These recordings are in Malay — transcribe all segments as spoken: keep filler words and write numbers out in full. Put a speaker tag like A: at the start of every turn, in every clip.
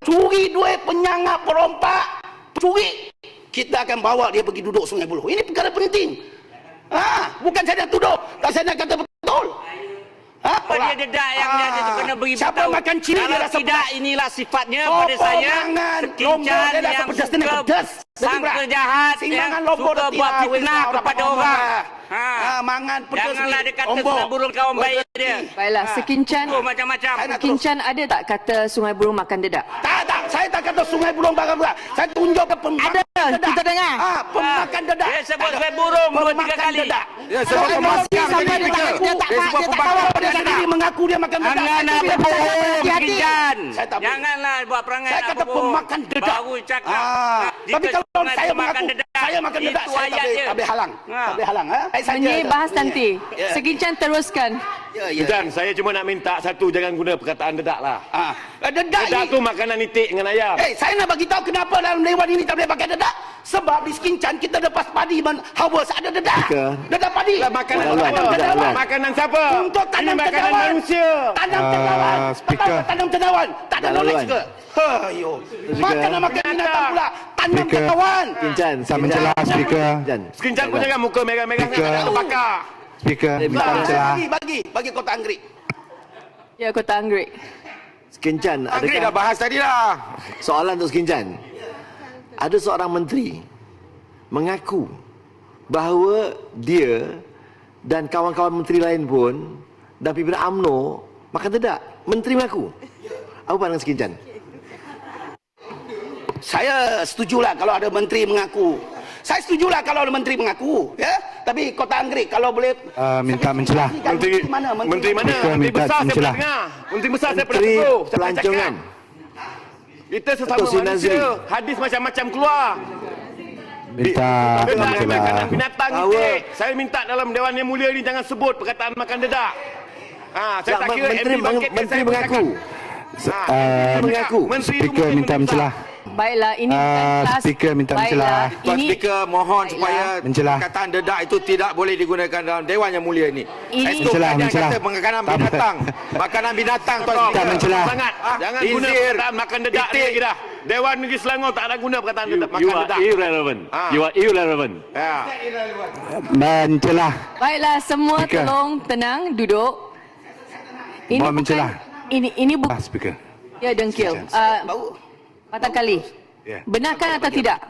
A: curi duit, penyangap, perompak, curi, kita akan bawa dia pergi duduk Sungai Buloh. Ini perkara penting. Ha, bukan saya nak tuduh, tak saya nak kata betul. Ha,
B: apa dia dedak yang dia tu kena beri
A: siapa
B: tahu.
A: makan cili dia
B: Kalau
A: rasa
B: tidak
A: pedas.
B: inilah sifatnya
A: Sopo
B: pada saya.
A: mangan
B: Sekincan
A: dia rasa
B: yang
A: pedas, dia
B: suka
A: pedas.
B: sangka jahat, yang suka buat fitnah kepada orang. Ha.
A: Ha, mangan pedas.
B: Janganlah dia kata Sungai Buloh kawan baik dia.
C: Baiklah, Sekincan.
B: Oh, macam-macam.
C: Sekincan ada tak kata Sungai Buloh makan dedak?
A: Tak, tak. Saya tak kata Sungai Buloh makan dedak. Saya tunjuk ke pemakan
C: Ada,
A: dedak.
C: kita dengar.
A: Ha, pemakan dedak.
B: Dia sebut Sungai Buloh dua tiga kali.
A: Dedak.
D: Ya, sebab
A: Kalau
D: pemakan
A: dia sampai
D: jadi
A: dia tak
D: fikir.
A: mengaku,
D: Dia
A: tak
D: sebab
A: dia tak
D: pemakan
A: tahu dia
D: dedak.
A: sendiri mengaku dia makan dedak.
B: Jangan
A: Itu
B: apa
A: dia
B: bohong,
A: hati-hati.
B: Sekincan.
A: Saya tak boleh.
B: Janganlah buat perangai
A: Saya
B: nak
A: kata
B: berbohong.
A: pemakan dedak.
B: Baru cakap.
A: Ah,
B: Ha,
A: tapi
B: jika
A: kalau
B: Sungai
A: saya
B: Buloh makan
A: mengaku
B: dedak,
A: saya makan dedak,
B: itu
A: saya tak
B: ayat
A: boleh,
B: dia.
A: tak boleh halang.
B: Ha.
A: Tak boleh halang. Ha? Saya saja.
C: Menyi bahas nanti.
A: Ya.
C: Sekincan teruskan.
A: Ya, ya.
D: Dan saya cuma nak minta satu, jangan guna perkataan dedak lah.
A: Ah, dedak
D: Dedak
A: ni.
D: tu makanan itik dengan ayam.
A: Eh, saya nak bagi tahu kenapa dalam dewan ini tak boleh pakai dedak. Sebab di Sekincan kita lepas padi men harvest ada dedak. Dedak padi.
D: Lah makanan
A: Untuk
D: siapa?
A: tanam cendawan.
D: Makanan siapa?
A: Untuk
D: Ini
A: tanam
D: makanan
A: cendawan.
D: manusia.
A: Tanam
E: Ah,
A: cendawan.
E: speaker.
A: Tanam- Tanam cendawan. Tak ada
E: Tak
A: knowledge
E: laluan.
A: ke? Ayo. Makan nak makan binatang pula. Tanam
E: Speaker.
A: cendawan.
E: Sekincan, saya mencelah speaker.
D: Sekincan pun jangan muka merah-merah
E: Speaker.
D: sangat, tak bakar.
E: Speaker, minta
A: Bagi,
E: mencelah.
A: bagi, bagi, bagi kotak anggrek.
C: Ya, Kota Anggrek.
E: Sekincan,
D: Anggrek dah
E: adakah
D: bahas tadi lah.
E: soalan untuk Sekincan? Ada seorang menteri mengaku bahawa dia dan kawan-kawan menteri lain pun dan pimpinan U M N O makan dedak. Menteri mengaku. Apa pandangan Sekincan?
A: Saya setujulah kalau ada menteri mengaku. Saya setujulah kalau ada menteri mengaku, ya. Tapi Kota Anggrek kalau boleh
E: Uh, minta mencelah.
D: Menteri
A: mana?
D: Menteri mana?
E: Speaker
D: Menteri
E: minta
D: besar saya pernah
E: mencelah.
D: dengar. Menteri besar saya pernah
E: Menteri
D: tegur. Saya pernah
E: Pelancongan.
D: cakap. Kita sesama
E: Datuk Sri
D: manusia.
E: Nazri.
D: Hadis macam-macam keluar.
E: Minta
D: Dedak ni
E: mencelah.
D: makanan binatang
E: Bahawa-
D: itik. Saya minta dalam Dewan Yang Mulia ni jangan sebut perkataan makan dedak. Ha, saya
E: Tak,
D: tak kira
E: menteri,
D: M D bangkit
E: menteri
D: saya
E: mengaku.
D: bercakap. Ha,
E: Uh,
D: mengaku.
E: Speaker minta mencelah.
C: Baiklah, ini bukan
E: Ah,
C: kelas.
E: speaker minta mencelah.
C: Baiklah,
F: Tuan
C: ini
F: Speaker, mohon supaya
E: Mencelah.
F: perkataan dedak itu tidak boleh digunakan dalam Dewan Yang Mulia ini.
C: Ini-
F: Esok
E: Mencelah,
F: kalian
E: mencelah.
F: kata makanan
E: Tak apa.
F: binatang. Makanan binatang, Tuan
D: Tak
F: Speaker.
E: mencelah.
D: Sangat.
F: Ah,
D: Jangan guna
F: Izir,
D: perkataan makan dedak ni
F: itik.
D: lagi dah. Dewan Negeri Selangor tak ada guna perkataan
G: You,
D: dedak,
G: you
D: makan
G: are
D: dedak.
G: irrelevant.
D: Ah.
G: You are irrelevant.
D: Ya.
E: Mencelah.
C: baiklah, semua
E: Speaker.
C: tolong tenang, duduk. Ini
E: Mohon
C: bukan-
E: mencelah.
C: Ini ini
E: Ah,
C: bukan
E: speaker.
C: ya dengkil.
E: Sekincan.
C: Uh,
A: Bau.
C: Patang kali.
E: Ya.
C: Benarkan atau tidak?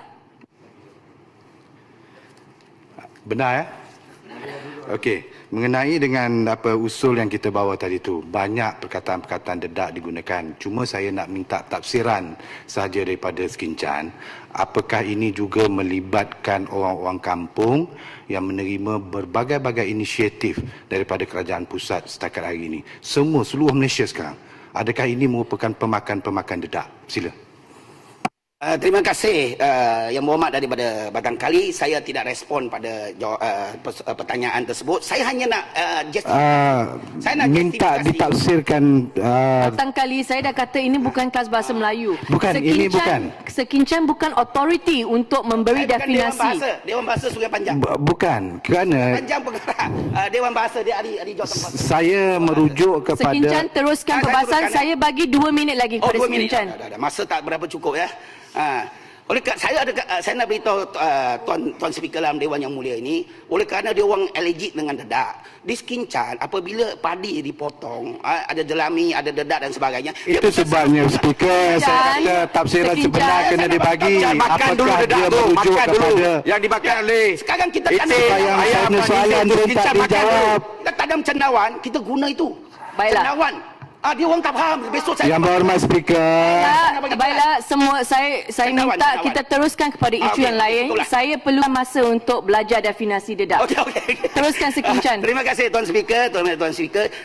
E: Benar ya? Okey, mengenai dengan apa usul yang kita bawa tadi tu, banyak perkataan-perkataan dedak digunakan. Cuma saya nak minta tafsiran sahaja daripada Sekincan. Apakah ini juga melibatkan orang-orang kampung yang menerima berbagai-bagai inisiatif daripada kerajaan pusat setakat hari ini? Semua seluruh Malaysia sekarang. Adakah ini merupakan pemakan-pemakan dedak? Sila.
A: Uh, terima kasih uh, Yang Berhormat daripada Batang Kali. Saya tidak respon pada jawab, uh, pers- uh, pertanyaan tersebut. Saya hanya nak uh, just
E: Uh,
A: Saya nak
E: minta
A: justifikasi.
E: ditafsirkan uh,
C: Patang kali saya dah kata ini bukan kelas bahasa Melayu.
E: Bukan, ini bukan.
C: Sekincan bukan authority untuk memberi
A: saya bukan Dewan
C: definasi.
A: Bahasa. Dewan Bahasa Sungai Panjang.
E: bu- bukan kerana
A: Panjang pengarah uh, Dewan Bahasa dia ahli ahli jawatan bahasa.
E: saya merujuk
C: Sekincan
E: kepada
C: teruskan
A: Ah, saya
C: perbahasan.
A: teruskan,
C: Saya bagi dua minit lagi
A: Oh,
C: kepada
A: dua minit.
C: Sekincan.
A: Dah, dah, dah. Masa tak berapa cukup ya. Ha. Oleh kerana saya ada uh, saya nak beritahu uh, tuan tuan speaker dalam Dewan Yang Mulia ini, oleh kerana dia orang allergic dengan dedak. Di Sekincan apabila padi dipotong, uh, ada jelami, ada dedak dan sebagainya. dia
E: itu
A: bukan
E: sebabnya
A: satu-
E: speaker saya
C: Dan
E: kata tafsiran
C: Sekincan.
E: sebenar kena dibagi.
F: Jangan makan dulu
E: Apakah
F: dedak
E: dia
F: tu.
E: merujuk
F: Makan dulu.
E: kepada
F: Yang dimakan oleh
A: Sekarang kita
F: itik,
A: tanam
E: Sayang
F: ayam,
E: saya punya
F: manis,
E: soalan
F: itu
E: pun
F: Sekincan
E: tak
F: makan dulu.
E: dijawab.
A: kita tanam cendawan, kita guna itu.
C: Baiklah.
A: Cendawan. Ah, dia orang tak faham. Besok saya
E: Yang Berhormat speaker,
C: Baiklah, baiklah semua saya saya
A: Cendawan,
C: minta
A: cendawan.
C: kita teruskan kepada
A: Ah,
C: isu
A: okey,
C: yang lain.
A: itulah.
C: Saya perlu masa untuk belajar definasi dedak.
A: Okey okey.
C: Teruskan Sekincan.
A: Terima kasih tuan speaker, tuan tuan speaker.